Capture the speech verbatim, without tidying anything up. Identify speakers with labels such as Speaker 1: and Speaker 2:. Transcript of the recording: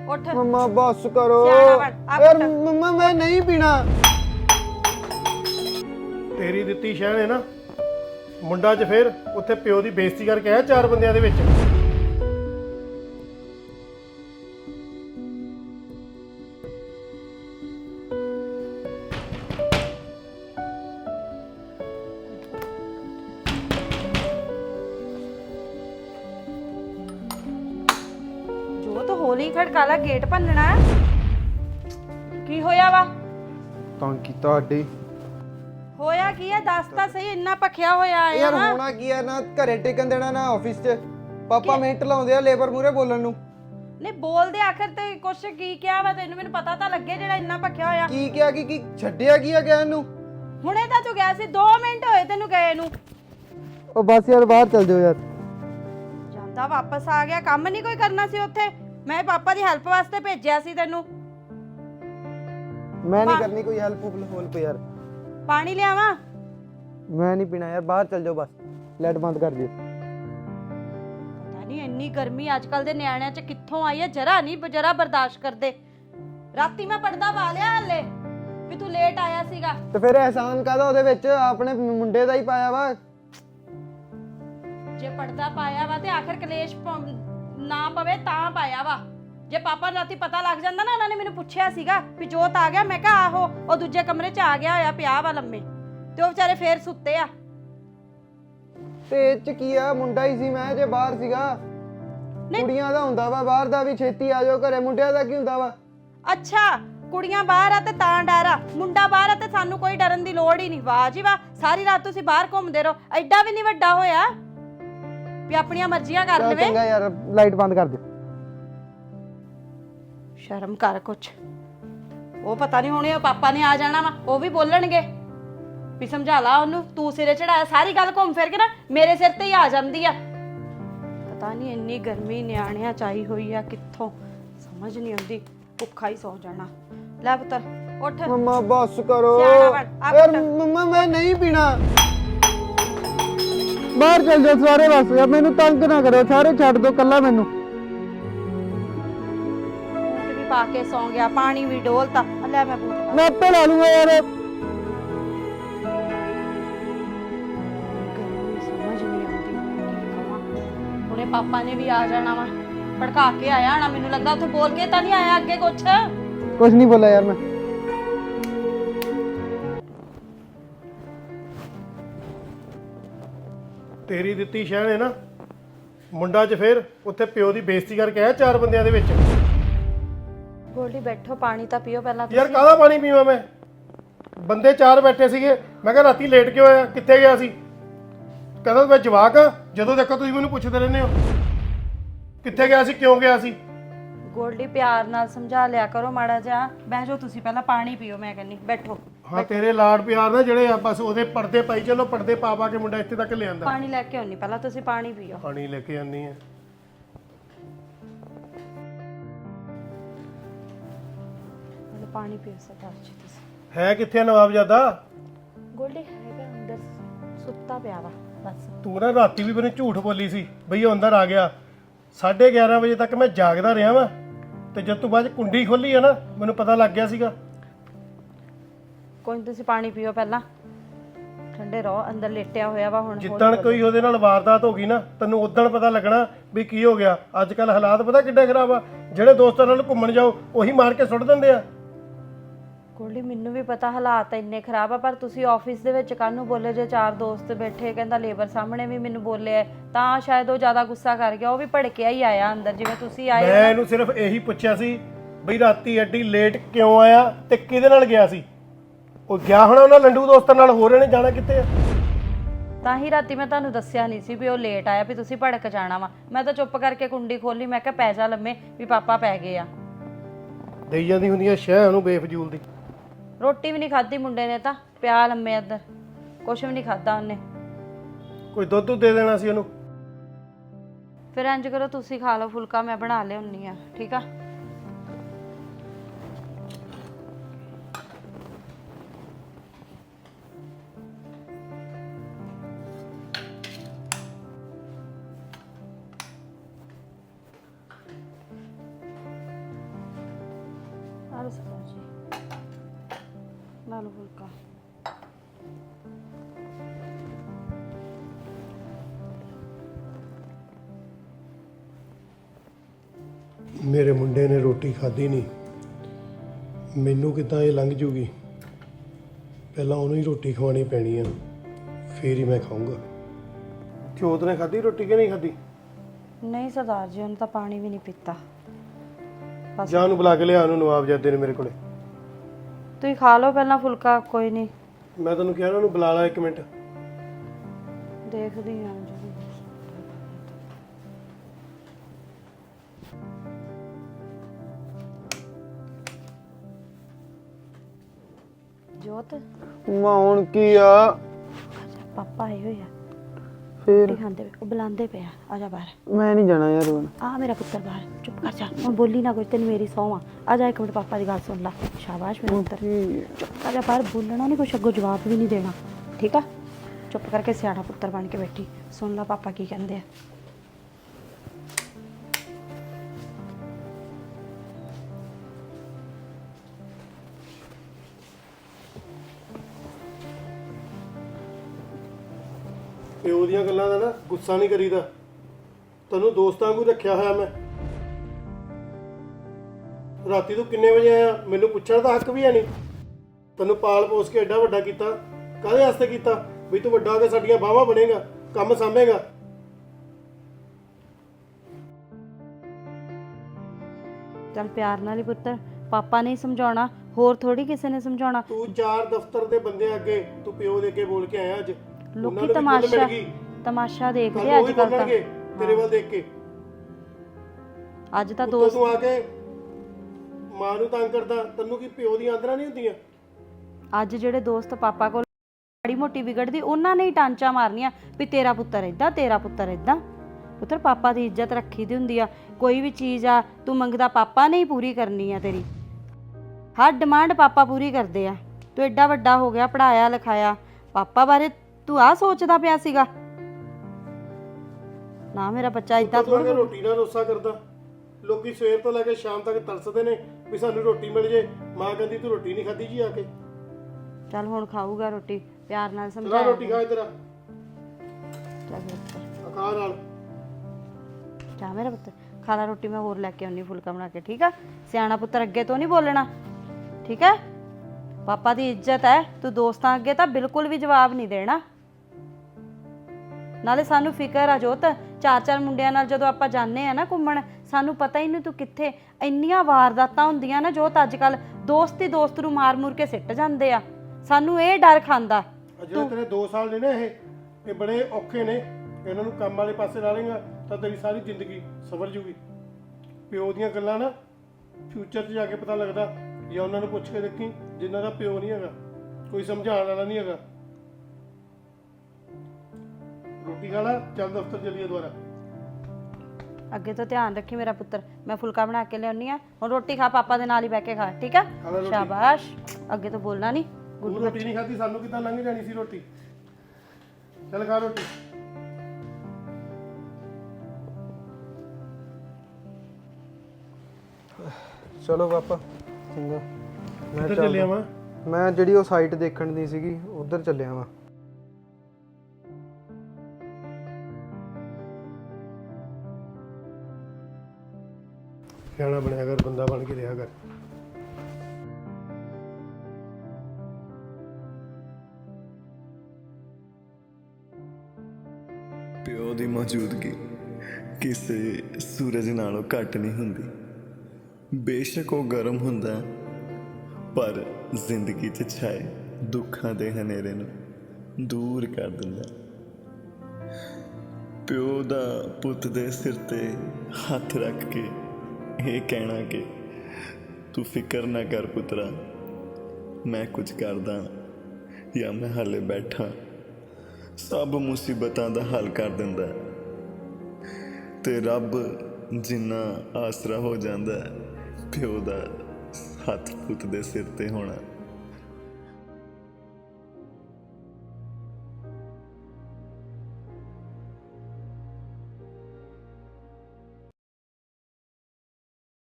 Speaker 1: ਉੱਠ
Speaker 2: मम्मा बस करो
Speaker 1: ਸਿਆਣਾ ਬਣ, ਆ
Speaker 2: यार
Speaker 1: ਪੁੱਤ।
Speaker 2: मम्मा मैं नहीं पीना।
Speaker 3: ਤੇਰੀ ਦਿੱਤੀ ਸ਼ਹਿ ਨੇ ਨਾ ਮੁੰਡਾ ਚ ਫਿਰ ਉੱਥੇ ਪਿਓ ਦੀ ਬੇਇੱਜ਼ਤੀ ਕਰਕੇ ਆਇਆ ਚਾਰ ਬੰਦਿਆਂ ਦੇ ਵਿੱਚ।
Speaker 1: ਜੋ ਤੂੰ ਹੌਲੀ ਖੜਕਾ ਲਾ, ਗੇਟ ਭੰਨਣਾ ਹੈ। ਕੀ ਹੋਇਆ ਵਾ?
Speaker 2: तंग कीता हड्डी
Speaker 1: ਹੋਇਆ ਕੀ ਹੈ ਦੱਸ ਤਾਂ ਸਹੀ। ਇੰਨਾ ਭਖਿਆ ਹੋਇਆ ਆਇਆ
Speaker 2: यार
Speaker 1: ਵਾ।
Speaker 2: होना की है ना घरे टिकन देना ना ऑफिस च पापा मिनट लाਉਂਦੇ ਆ ਲੇਬਰ ਮੂਰੇ ਬੋਲਣ ਨੂੰ।
Speaker 1: ਨਹੀਂ ਬੋਲਦੇ ਆਖਰ ਤੇ ਕੁਛ ਕੀ ਕਿਹਾ ਵਾ ਤੈਨੂੰ? ਮੈਨੂੰ ਪਤਾ ਤਾਂ ਲੱਗੇ ਜਿਹੜਾ ਇੰਨਾ ਭਖਿਆ ਹੋਇਆ।
Speaker 2: ਕੀ ਕਿਹਾ ਕੀ ਕੀ ਛੱਡਿਆ ਕੀ ਆ ਗਿਆ ਇਹਨੂੰ?
Speaker 1: ਹੁਣੇ ਤਾਂ ਤੂੰ ਗਿਆ ਸੀ, ਦੋ ਮਿੰਟ ਹੋਏ ਤੈਨੂੰ ਗਏ ਨੂੰ।
Speaker 2: ਉਹ ਬਸ ਯਾਰ ਬਾਹਰ ਚੱਲ ਜਾਓ ਯਾਰ।
Speaker 1: ਜਾਂਦਾ ਵਾਪਸ ਆ ਗਿਆ। ਕੰਮ ਨਹੀਂ ਕੋਈ ਕਰਨਾ ਸੀ ਉੱਥੇ? ਮੈਂ ਪਾਪਾ ਦੀ ਹੈਲਪ ਵਾਸਤੇ ਭੇਜਿਆ ਸੀ ਤੈਨੂੰ।
Speaker 2: ਮੈਂ ਨਹੀਂ ਕਰਨੀ ਕੋਈ ਹੈਲਪ ਹੁਲਪ ਯਾਰ।
Speaker 1: ਪਾਣੀ ਲਿਆਵਾਂ?
Speaker 2: ਮੈਂ ਨਹੀਂ ਪੀਣਾ ਯਾਰ, ਬਾਹਰ ਚੱਲ ਜਾਓ ਬਸ। ਲਾਈਟ ਬੰਦ ਕਰ ਦਿਓ।
Speaker 1: ਪਤਾ ਨਹੀਂ ਇੰਨੀ ਗਰਮੀ ਅੱਜ ਕੱਲ ਦੇ ਨਿਆਣਿਆਂ 'ਚ ਕਿੱਥੋਂ ਆਈ ਹੈ। ਜਰਾ ਨਹੀਂ ਜਰਾ ਬਰਦਾਸ਼ਤ ਕਰਦੇ। ਰਾਤੀ ਮੈਂ ਪਰਦਾ ਪਾ ਲਿਆ ਹਲੇ ਵੀ ਤੂੰ ਲੇਟ ਆਇਆ ਸੀਗਾ।
Speaker 2: ਤੇ ਫਿਰ ਅਹਿਸਾਨ ਕਾਹਦਾ ਉਹਦੇ ਵਿੱਚ? ਆਪਣੇ ਮੁੰਡੇ ਦਾ ਹੀ ਪਾਇਆ ਵਾ।
Speaker 1: ਜੇ ਪਰਦਾ ਪਾਇਆ ਵਾ ਤੇ ਆਖਰ ਕਲੇਸ਼ ਪ- ਨਾ ਪਵੇ ਤਾਂ ਪਾਇਆ ਵਾ। ਜੇ ਪਾਪਾ ਨੂੰ ਰਾਤੀ ਪਤਾ ਲੱਗ ਜਾਂਦਾ ਨਾ, ਉਹਨਾਂ ਨੇ ਮੈਨੂੰ ਪੁੱਛਿਆ ਸੀਗਾ ਵੀ ਜੋਤ ਆ ਗਿਆ। ਮੈਂ ਕਿਹਾ ਆਹੋ, ਉਹ ਦੂਜੇ ਕਮਰੇ 'ਚ ਆ ਗਿਆ ਹੋਇਆ, ਪਿਆ ਵਾ ਲੰਮੇ, ਤੇ ਉਹ ਵਿਚਾਰੇ ਫੇਰ ਸੁੱਤੇ ਆ।
Speaker 2: ਤੇ ਇਹ ਚ ਕੀ ਆ? ਮੁੰਡਾ ਹੀ ਸੀ ਮੈਂ, ਜੇ ਬਾਹਰ ਸੀਗਾ। ਕੁੜੀਆਂ ਦਾ ਹੁੰਦਾ ਵਾ ਬਾਹਰ ਦਾ ਵੀ, ਛੇਤੀ ਆ ਜਾਓ ਘਰੇ। ਮੁੰਡਿਆਂ ਦਾ ਕੀ ਹੁੰਦਾ ਵਾ?
Speaker 1: ਅੱਛਾ ਕੁੜੀਆਂ ਬਾਹਰ ਆ ਤੇ ਤਾਂ ਡਰ ਆ, ਮੁੰਡਾ ਬਾਹਰ ਆ ਤੇ ਸਾਨੂੰ ਕੋਈ ਡਰਨ ਦੀ ਲੋੜ ਹੀ ਨਹੀਂ। ਵਾਹ ਜੀ ਵਾਹ, ਸਾਰੀ ਰਾਤ ਤੁਸੀਂ ਬਾਹਰ ਘੁੰਮਦੇ ਰਹੋ। ਐਡਾ ਵੀ ਨਹੀਂ ਵੱਡਾ ਹੋਇਆ ਵੀ ਆਪਣੀਆਂ ਮਰਜ਼ੀਆਂ ਕਰ
Speaker 2: ਚੱਲ
Speaker 1: ਲਵੇ।
Speaker 2: ਚੰਗਾ ਯਾਰ, ਲਾਈਟ ਬੰਦ ਕਰ ਦਿਓ।
Speaker 1: ਸ਼ਰਮ ਕਰ ਕੁਛ। ਉਹ ਪਤਾ ਨਹੀਂ ਹੁਣੇ ਉਹ ਪਾਪਾ ਨੇ ਆ ਜਾਣਾ ਵਾ, ਉਹ ਵੀ ਬੋਲਣਗੇ ਵੀ ਸਮਝਾ ਲਾ ਉਹਨੂੰ, ਤੂੰ ਸਿਰੇ ਚੜਾਇਆ। ਸਾਰੀ ਗੱਲ ਘੁੰਮ ਫਿਰ ਕੇ ਨਾ ਮੇਰੇ ਸਿਰ ਤੇ ਹੀ ਆ ਜਾਂਦੀ ਆ। ਪਤਾ ਨਹੀਂ ਇੰਨੀ ਗਰਮੀ ਨਿਆਣਿਆਂ ਚ ਆਈ ਹੋਈ ਆ ਕਿੱਥੋਂ, ਸਮਝ ਨਹੀਂ ਆਉਂਦੀ। ਭੁੱਖਾ ਹੀ ਸੌ ਜਾਣਾ। ਲੈ ਪੁੱਤਰ ਉੱਠ।
Speaker 2: ਮਮਾ ਬਸ ਕਰੋ
Speaker 1: ਸਿਆਣਾ ਬਣ, ਆ
Speaker 2: ਯਾਰ।
Speaker 1: ਪੁੱਤ।
Speaker 2: ਮਮਾ ਮੈਂ ਨਹੀਂ ਪੀਣਾ। ਬਾਹਰ ਚੱਲ ਜਾਓ ਸਾਰੇ ਬਸ ਯਾਰ, ਮੈਨੂੰ ਤੰਗ ਨਾ ਕਰੋ ਸਾਰੇ, ਛੱਡ ਦਿਓ ਕੱਲਾ ਮੈਨੂੰ।
Speaker 1: ਬੂਟ ਵੀ ਪਾ ਕੇ ਸੌਂ ਗਿਆ, ਪਾਣੀ ਵੀ ਡੋਲਤਾ। ਆ ਲੈ ਮੈਂ ਬੂਟ ਪਾ-
Speaker 2: ਮੈਂ ਆਪੇ ਲਾ ਲੂੰਗਾ ਯਾਰ।
Speaker 1: ਗਰਮੀ ਸਮਝ ਨਹੀਂ ਆਉਂਦੀ ਕੀ ਕਵਾਂ। ਹੁਣੇ ਪਾਪਾ ਨੇ ਵੀ ਆ ਜਾਣਾ ਵਾ, ਭੜਕਾ ਕੇ ਆਇਆ ਨਾ। ਮੈਨੂੰ ਲੱਗਾ ਉੱਥੇ ਬੋਲ ਕੇ ਤਾਂ ਨਹੀਂ ਆਇਆ ਅੱਗੇ ਕੁਛ।
Speaker 2: ਕੁਝ ਨਹੀਂ ਬੋਲਿਆ ਯਾਰ ਮੈਂ।
Speaker 3: ਤੇਰੀ ਦਿੱਤੀ ਸ਼ਹਿ ਨੇ ਨਾ ਮੁੰਡਾ ਚ ਫਿਰ ਉੱਥੇ ਪਿਓ ਦੀ ਬੇਇੱਜ਼ਤੀ ਕਰਕੇ ਆਇਆ ਚਾਰ ਬੰਦਿਆਂ ਦੇ ਵਿੱਚ।
Speaker 1: ਗੋਲਡੀ ਬੈਠੋ, ਪਾਣੀ ਤਾਂ ਪੀਓ ਪਹਿਲਾਂ
Speaker 3: ਯਾਰ
Speaker 1: ਤੁਸੀਂ।
Speaker 3: ਕਾਹਦਾ ਪਾਣੀ ਪੀਵਾਂ ਮੈਂ? ਬੰਦੇ ਚਾਰ ਬੈਠੇ ਸੀਗੇ। ਮੈਂ ਕਿਹਾ ਰਾਤੀ ਲੇਟ ਕਿਉਂ ਆਇਆ, ਕਿੱਥੇ ਗਿਆ ਸੀ? ਕਹਿੰਦਾ ਮੈਂ ਜਵਾਕ ਆ, ਜਦੋਂ ਦੇਖੋ ਤੁਸੀਂ ਮੈਨੂੰ ਪੁੱਛਦੇ ਰਹਿੰਦੇ ਹੋ ਕਿੱਥੇ ਗਿਆ ਸੀ, ਕਿਉਂ ਗਿਆ ਸੀ।
Speaker 1: ਗੋਲਡੀ ਪਿਆਰ ਨਾਲ ਸਮਝਾ ਲਿਆ ਕਰੋ ਮਾੜਾ ਜਿਹਾ। ਬਹਿ ਜਾਓ ਤੁਸੀਂ, ਪਹਿਲਾਂ ਪਾਣੀ ਪੀਓ। ਮੈਂ ਕਹਿੰਨੀ ਬੈਠੋ।
Speaker 3: ਹਾਂ ਤੇਰੇ ਲਾਡ ਪਿਆਰ ਨਾ ਜਿਹੜੇ ਆ ਬਸ ਉਹਦੇ ਪਰਦੇ ਪਾਈ ਚਲੋ, ਪਰਦੇ ਪਾ ਪਾ ਕੇ ਮੁੰਡਾ ਇੱਥੇ ਤੱਕ ਲਿਆਂਦਾ।
Speaker 1: ਪਾਣੀ ਲੈ ਕੇ ਆਉਣੀ, ਪਹਿਲਾਂ ਤੁਸੀਂ ਪਾਣੀ ਪੀਓ।
Speaker 3: ਪਾਣੀ ਲੈ ਕੇ ਆਨੀ ਆ।
Speaker 1: ਪਹਿਲਾਂ ਪਾਣੀ ਪੀਓ ਸਰਦਾਰ ਜੀ ਤੁਸੀਂ।
Speaker 3: ਹੈ ਕਿੱਥੇ ਨਵਾਬਜ਼ਾਦਾ?
Speaker 1: ਗੋਲਡੀ ਹੈਗਾ ਅੰਦਰ, ਸੁੱਤਾ ਪਿਆ ਵਾ ਬਸ।
Speaker 3: ਤੂੰ ਨਾ ਰਾਤੀ ਵੀ ਮੈਨੂੰ ਝੂਠ ਬੋਲੀ ਸੀ ਬਈ ਉਹ ਅੰਦਰ ਆ ਗਿਆ। ਸਾਢੇ ਗਿਆਰਾਂ ਵਜੇ ਤੱਕ ਮੈਂ ਜਾਗਦਾ ਰਿਹਾ ਵਾਂ, ਤੇ ਜਦ ਤੂੰ ਬਾਅਦ 'ਚ ਕੁੰਡੀ ਖੋਲੀ ਆ ਨਾ, ਮੈਨੂੰ ਪਤਾ ਲੱਗ ਗਿਆ ਸੀਗਾ।
Speaker 1: ਕੋਈ ਨੀ, ਤੁਸੀਂ ਪਾਣੀ ਪੀਓ ਪਹਿਲਾਂ, ਠੰਡੇ ਰਹੋ। ਅੰਦਰ ਲੇਟਿਆ ਹੋਇਆ ਵਾ ਹੁਣ।
Speaker 3: ਜਿੱਦਣ ਕੋਈ ਉਹਦੇ ਨਾਲ ਵਾਰਦਾਤ ਹੋ ਗਈ ਨਾ, ਤੈਨੂੰ ਉਦੋਂ ਪਤਾ ਲੱਗਣਾ ਵੀ ਕੀ ਹੋ ਗਿਆ। ਅੱਜ ਕੱਲ ਹਾਲਾਤ ਪਤਾ ਕਿੱਡੇ ਖਰਾਬ ਆ। ਜਿਹੜੇ ਦੋਸਤਾਂ ਨਾਲ ਘੁੰਮਣ ਜਾਓ ਉਹੀ ਮਾਰ ਕੇ ਸੁੱਟ ਦਿੰਦੇ ਆ।
Speaker 1: ਗੋਲਡੀ ਮੈਨੂੰ ਵੀ ਪਤਾ ਹਾਲਾਤ ਇੰਨੇ ਖਰਾਬ ਆ, ਪਰ ਤੁਸੀਂ ਆਫਿਸ ਦੇ ਵਿੱਚ ਕਾਹਨੂੰ ਬੋਲੇ? ਜੇ ਚਾਰ ਦੋਸਤ ਬੈਠੇ, ਕਹਿੰਦਾ ਲੇਬਰ ਸਾਹਮਣੇ ਵੀ ਮੈਨੂੰ ਬੋਲਿਆ, ਤਾਂ ਸ਼ਾਇਦ ਉਹ ਜ਼ਿਆਦਾ ਗੁੱਸਾ ਕਰ ਗਿਆ। ਉਹ ਵੀ ਭੜਕਿਆ ਹੀ ਆਇਆ ਅੰਦਰ, ਜਿਵੇਂ ਤੁਸੀਂ ਆਏ
Speaker 3: ਮੈਂ ਇਹਨੂੰ ਸਿਰਫ ਇਹੀ ਪੁੱਛਿਆ ਸੀ ਬਈ ਰਾਤੀ ਐਡੀ ਲੇਟ ਕਿਉਂ ਆਇਆ ਤੇ ਕਿਹਦੇ ਨਾਲ ਗਿਆ ਸੀ। ਉਹ ਗਿਆ ਹੋਣਾ ਉਹਨਾਂ ਲੰਡੂ ਦੋਸਤਾਂ ਨਾਲ, ਹੋਰ ਇਹਨੇ ਜਾਣਾ ਕਿੱਥੇ ਆ।
Speaker 1: ਤਾਂ ਹੀ ਰਾਤੀ ਮੈਂ ਤੁਹਾਨੂੰ ਦੱਸਿਆ ਨਹੀਂ ਸੀ ਵੀ ਉਹ ਲੇਟ ਆਇਆ, ਵੀ ਤੁਸੀਂ ਭੜਕ ਜਾਣਾ ਵਾ। ਮੈਂ ਤਾਂ ਚੁੱਪ ਕਰਕੇ ਕੁੰਡੀ ਖੋਲੀ, ਮੈਂ ਕਿਹਾ ਪੈ ਜਾ ਲੰਮੇ, ਵੀ ਪਾਪਾ ਪੈ ਗਏ ਆ।
Speaker 3: ਦੇਈ ਜਾਂਦੀ ਹੁੰਦੀ ਆ ਸ਼ਹਿ ਉਹਨੂੰ ਬੇਫਜ਼ੂਲ ਦੀ।
Speaker 1: ਰੋਟੀ ਵੀ ਨਹੀਂ ਖਾਧੀ ਮੁੰਡੇ ਨੇ, ਤਾਂ ਪਿਆ ਲੰਮੇ ਅੰਦਰ, ਕੁਛ ਵੀ ਨਹੀਂ ਖਾਧਾ ਉਹਨੇ।
Speaker 3: ਕੋਈ ਦੁੱਧ ਦੁੱਧ ਦੇ ਦੇਣਾ ਸੀ ਉਹਨੂੰ।
Speaker 1: ਫਿਰ ਇੰਜ ਕਰੋ ਤੁਸੀਂ ਖਾ ਲਓ ਫੁਲਕਾ, ਮੈਂ ਬਣਾ ਲਿਆਉਣੀ ਆ, ਠੀਕ ਆ? ਲਓ ਸਰਦਾਰ ਜੀ, ਲਾ ਲਓ ਫੁਲਕਾ।
Speaker 3: ਮੇਰੇ ਮੁੰਡੇ ਨੇ ਰੋਟੀ ਖਾਧੀ ਨਹੀਂ, ਮੈਨੂੰ ਕਿੱਦਾਂ ਇਹ ਲੰਘ ਜੂਗੀ। ਪਹਿਲਾਂ ਉਹਨੂੰ ਹੀ ਰੋਟੀ ਖਵਾਉਣੀ ਪੈਣੀ ਆ, ਫੇਰ ਹੀ ਮੈਂ ਖਾਊਂਗਾ। ਜੋਤ ਨੇ ਖਾਧੀ ਰੋਟੀ ਕਿ ਨਹੀਂ ਖਾਧੀ?
Speaker 1: ਨਹੀਂ ਸਰਦਾਰ ਜੀ, ਉਹਨੇ ਤਾਂ ਪਾਣੀ ਵੀ ਨਹੀਂ ਪੀਤਾ। ਬਸ
Speaker 3: ਜਾਂ ਨੂੰ ਬੁਲਾ ਕੇ ਲਿਆ, ਉਹਨੂੰ ਨਵਾਬ ਜਾਦੇ ਨੇ ਮੇਰੇ ਕੋਲੇ।
Speaker 1: ਤੁਸੀਂ ਖਾ ਲਓ ਪਹਿਲਾਂ ਫੁਲਕਾ, ਕੋਈ ਨਹੀਂ।
Speaker 3: ਮੈਂ ਤੈਨੂੰ ਕਿਹਾ ਉਹਨੂੰ ਬੁਲਾ ਲਾ ਇੱਕ ਮਿੰਟ।
Speaker 1: ਦੇਖਦੀ ਹਾਂ ਜੀ। ਜੋਤ,
Speaker 2: ਮਾਂ ਹੁਣ ਕੀ ਆ?
Speaker 1: ਪਾਪਾ ਆਏ ਹੋਏ ਆ,
Speaker 2: ਫੇਰ
Speaker 1: ਰੋਟੀ ਖਾਂਦੇ ਪਏ, ਉਹ ਬੁਲਾਉਂਦੇ ਪਏ ਆ। ਆ ਜਾ ਬਾਹਰ।
Speaker 2: ਮੈਂ ਨਹੀਂ ਜਾਣਾ ਯਾਰ ਹੁਣ।
Speaker 1: ਆ ਮੇਰਾ ਪੁੱਤਰ ਬਾਹਰ, ਚੁੱਪ ਕਰ ਜਾ, ਹੁਣ ਬੋਲੀ ਨਾ ਕੁਝ, ਤੈਨੂੰ ਮੇਰੀ ਸਹੁੰ ਆ। ਆ ਜਾ ਇੱਕ ਮਿੰਟ, ਪਾਪਾ ਦੀ ਗੱਲ ਸੁਣ ਲੈ। ਸ਼ਾਬਾਸ਼ ਮੇਰਾ ਪੁੱਤਰ, ਚੁੱਪ ਕਰ ਜਾ, ਬਾਹਰ ਬੋਲਣਾ ਨਹੀਂ ਕੁਛ, ਅੱਗੋਂ ਜਵਾਬ ਵੀ ਨਹੀਂ ਦੇਣਾ, ਠੀਕ ਆ? ਚੁੱਪ ਕਰਕੇ ਸਿਆਣਾ ਪੁੱਤਰ ਬਣ ਕੇ ਬੈਠੀ, ਸੁਣ ਲੈ ਪਾਪਾ ਕੀ ਕਹਿੰਦੇ ਆ।
Speaker 3: ਪਿਓ ਦੀਆਂ ਗੱਲਾਂ ਦਾ ਨਾ ਗੁੱਸਾ ਨਹੀਂ ਕਰੀਦਾ। ਤੈਨੂੰ ਦੋਸਤਾਂ ਵਾਂਗੂ ਰੱਖਿਆ ਹੋਇਆ ਮੈਂ। ਰਾਤੀ ਤੂੰ ਕਿੰਨੇ ਵਜੇ ਆਇਆ ਮੈਨੂੰ ਪੁੱਛਣ ਦਾ ਹੱਕ ਵੀ ਹੈ ਨਹੀਂ। ਤੈਨੂੰ ਪਾਲ ਪੋਸ ਕੇ ਐਡਾ ਵੱਡਾ ਕੀਤਾ, ਕਾਹਦੇ ਵਾਸਤੇ ਕੀਤਾ? ਵੀ ਤੂੰ ਵੱਡਾ ਹੋ ਕੇ ਸਾਡੀਆਂ ਬਾਹਾਂ ਬਣੇਗਾ, ਕੰਮ ਸਾਂਭੇਗਾ।
Speaker 1: ਚੱਲ ਪਿਆਰ ਨਾਲ ਹੀ ਪੁੱਤਰ, ਪਾਪਾ ਨੇ ਸਮਝਾਉਣਾ, ਹੋਰ ਥੋੜੀ ਕਿਸੇ ਨੇ ਸਮਝਾਉਣਾ।
Speaker 3: ਤੂੰ ਚਾਰ ਦਫ਼ਤਰ ਦੇ ਬੰਦੇ ਅੱਗੇ ਤੂੰ ਪਿਓ ਦੇ ਕੇ ਬੋਲ ਕੇ ਆਇਆ ਅੱਜ।
Speaker 1: ਲੋਕੀ ਤਮਾਸ਼ਾ ਤਮਾਸ਼ਾ ਦੇਖਦੇ ਆ ਅੱਜ ਕੱਲ ਤਾਂ
Speaker 3: ਤੇਰੇ ਵੱਲ ਦੇਖ ਕੇ।
Speaker 1: ਅੱਜ ਤਾਂ
Speaker 3: ਦੋਸਤ ਤੂੰ ਆ ਕੇ ਮਾਂ ਨੂੰ ਤੰਗ ਕਰਦਾ, ਤੈਨੂੰ ਕੀ ਪਿਓ ਦੀਆਂ ਆਦਰਾਂ ਨਹੀਂ ਹੁੰਦੀਆਂ?
Speaker 1: ਅੱਜ ਜਿਹੜੇ ਦੋਸਤ ਪਾਪਾ ਕੋਲ ਬੜੀ ਮੋਟੀ ਵਿਗੜਦੀ, ਉਹਨਾਂ ਨੇ ਹੀ ਟਾਂਚਾ ਮਾਰਨੀਆਂ ਵੀ ਤੇਰਾ ਪੁੱਤਰ ਏਦਾਂ, ਤੇਰਾ ਪੁੱਤਰ ਏਦਾਂ। ਪੁੱਤਰ ਪਾਪਾ ਦੀ ਇੱਜ਼ਤ ਰੱਖੀ ਦੀ ਹੁੰਦੀ ਆ। ਕੋਈ ਵੀ ਚੀਜ਼ ਆ ਤੂੰ ਮੰਗਦਾ, ਪਾਪਾ ਨੇ ਹੀ ਪੂਰੀ ਕਰਨੀ ਆ ਤੇਰੀ। ਹਰ ਡਿਮਾਂਡ ਪਾਪਾ ਪੂਰੀ ਕਰਦੇ ਆ। ਤੂੰ ਐਡਾ ਵੱਡਾ ਹੋ ਗਿਆ, ਪੜਾਇਆ ਲਿਖਾਇਆ, ਪਾਪਾ ਬਾਰੇ ਤੂੰ ਆ ਸੋਚਦਾ ਪਿਆ ਸੀਗਾ ਨਾ? ਮੇਰਾ ਬੱਚਾ ਏਦਾਂ ਥੋੜੀ
Speaker 3: ਰੋਟੀ ਨਾਲ ਰੋਸਾ ਕਰਦਾ। ਲੋਕੀ ਸਵੇਰ ਤੋਂ ਲੈ ਕੇ ਸ਼ਾਮ ਤੱਕ ਤਰਸਦੇ ਨੇ ਵੀ ਸਾਨੂੰ ਰੋਟੀ ਮਿਲ ਜੇ। ਮਾਂ ਕਹਿੰਦੀ ਤੂੰ ਰੋਟੀ ਨਹੀਂ ਖਾਧੀ ਜੀ ਆ ਕੇ।
Speaker 1: ਚੱਲ ਹੁਣ ਖਾਊਗਾ ਰੋਟੀ, ਪਿਆਰ ਨਾਲ
Speaker 3: ਚਲਾ
Speaker 1: ਸਮਝਾ।
Speaker 3: ਰੋਟੀ ਖਾ ਇਧਰ ਆ,
Speaker 1: ਚੱਲ ਮੇਰਾ ਪੁੱਤਰ
Speaker 3: ਖਾ ਨਾਲ।
Speaker 1: ਜਾ ਮੇਰਾ ਪੁੱਤਰ, ਖਾ ਲਾ ਰੋਟੀ, ਮੈਂ ਹੋਰ ਲੈ ਕੇ ਆਉਣੀ ਫੁਲਕਾ ਬਣਾ ਕੇ, ਠੀਕ ਆ? ਸਿਆਣਾ ਪੁੱਤਰ ਅੱਗੇ ਤੋਂ ਨਹੀਂ ਬੋਲਣਾ, ਠੀਕ ਹੈ? ਪਾਪਾ ਦੀ ਇੱਜ਼ਤ ਹੈ, ਤੂੰ ਦੋਸਤਾਂ ਅੱਗੇ ਤਾਂ ਬਿਲਕੁਲ ਵੀ ਜਵਾਬ ਨਹੀਂ ਦੇਣਾ। ਨਾਲੇ ਸਾਨੂੰ ਫਿਕਰ ਆ ਜੋਤ, ਚਾਰ ਚਾਰ ਮੁੰਡਿਆਂ ਨਾਲ ਜਦੋਂ ਆਪਾਂ ਜਾਂਦੇ ਆ ਨਾ ਘੁੰਮਣ, ਸਾਨੂੰ ਪਤਾ ਹੀ ਨਹੀਂ ਤੂੰ ਕਿੱਥੇ। ਇੰਨੀਆਂ ਵਾਰਦਾਤਾਂ ਹੁੰਦੀਆਂ ਨਾ ਜੋਤ ਅੱਜ ਕੱਲ, ਦੋਸਤ ਹੀ ਦੋਸਤ ਨੂੰ ਮਾਰ ਮੁਰ ਕੇ ਸਿੱਟ ਜਾਂਦੇ ਆ। ਸਾਨੂੰ ਇਹ ਡਰ ਖਾਂਦਾ।
Speaker 3: ਜਿਹੜੇ ਤੇਰੇ ਦੋ ਸਾਲ ਨੇ ਨਾ ਇਹ ਇਹ ਬੜੇ ਔਖੇ ਨੇ। ਇਹਨਾਂ ਨੂੰ ਕੰਮ ਵਾਲੇ ਪਾਸੇ ਲਾ ਲੇਗਾ ਤਾਂ ਤੇਰੀ ਸਾਰੀ ਜ਼ਿੰਦਗੀ ਸਵਰ ਜੂਗੀ। ਪਿਓ ਦੀਆਂ ਗੱਲਾਂ ਨਾ ਫਿਊਚਰ 'ਚ ਜਾ ਕੇ ਪਤਾ ਲੱਗਦਾ, ਜਾਂ ਉਹਨਾਂ ਨੂੰ ਪੁੱਛ ਕੇ ਦੇਖੀ ਜਿਨ੍ਹਾਂ ਦਾ ਪਿਓ ਨਹੀਂ ਹੈਗਾ, ਕੋਈ ਸਮਝਾਉਣ ਵਾਲਾ ਨਹੀਂ ਹੈਗਾ। ਰੋਟੀ ਖਾ ਲਾ, ਚੱਲ ਦਫ਼ਤਰ ਚੱਲੀਏ ਦੁਬਾਰਾ।
Speaker 1: ਅੱਗੇ ਤੋਂ ਧਿਆਨ ਰੱਖੀ ਮੇਰਾ ਪੁੱਤਰ, ਮੈਂ ਫੁਲਕਾ ਬਣਾ ਕੇ ਲਿਆਉਣੀ ਆ। ਹੁਣ ਰੋਟੀ ਖਾ, ਪਾਪਾ ਦੇ ਨਾਲ ਹੀ ਬਹਿ ਕੇ ਖਾ, ਠੀਕ ਆ? ਸ਼ਾਬਾਸ਼, ਅੱਗੇ ਤੋਂ ਬੋਲਣਾ ਨਹੀਂ।
Speaker 3: ਤੂੰ ਰੋਟੀ ਨਹੀਂ ਖਾਧੀ, ਸਾਨੂੰ ਕਿੱਦਾਂ ਲੰਘ ਜਾਣੀ ਸੀ ਰੋਟੀ? ਚੱਲ ਖਾ ਰੋਟੀ।
Speaker 2: ਚਲੋ ਪਾਪਾ ਚੰਗਾ, ਮੈਂ
Speaker 3: ਚੱਲਿਆ ਵਾਂ।
Speaker 2: ਮੈਂ ਜਿਹੜੀ ਉਹ ਸਾਈਟ ਦੇਖਣ ਦੀ ਸੀਗੀ ਉਧਰ ਚੱਲਿਆ ਵਾਂ।
Speaker 3: ਸਿਆਣਾ ਬਣਿਆ ਕਰ, ਬੰਦਾ ਬਣ ਕੇ ਰਿਹਾ ਕਰ।
Speaker 4: ਪਿਓ ਦੀ ਮੌਜੂਦਗੀ ਕਿਸੇ ਸੂਰਜ ਨਾਲੋਂ ਘੱਟ ਨਹੀਂ ਹੁੰਦੀ। ਬੇਸ਼ੱਕ ਉਹ ਗਰਮ ਹੁੰਦਾ, ਪਰ ਜ਼ਿੰਦਗੀ 'ਚ ਛਾਏ ਦੁੱਖਾਂ ਦੇ ਹਨੇਰੇ ਨੂੰ ਦੂਰ ਕਰ ਦਿੰਦਾ। ਪਿਓ ਦਾ ਪੁੱਤ ਦੇ ਸਿਰ ਤੇ ਹੱਥ ਰੱਖ ਕੇ ਇਹ ਕਹਿਣਾ ਕਿ ਤੂੰ ਫਿਕਰ ਨਾ ਕਰ ਪੁੱਤਰਾ, ਮੈਂ ਕੁਝ ਕਰਦਾ ਜਾਂ ਮੈਂ ਹਾਲੇ ਬੈਠਾ, ਸਭ ਮੁਸੀਬਤਾਂ ਦਾ ਹੱਲ ਕਰ ਦਿੰਦਾ। ਤੇ ਰੱਬ ਜਿੰਨਾ ਆਸਰਾ ਹੋ ਜਾਂਦਾ, ਪਿਓ ਦਾ ਹੱਥ ਪੁੱਤ ਦੇ ਸਿਰ ਤੇ ਹੋਣਾ।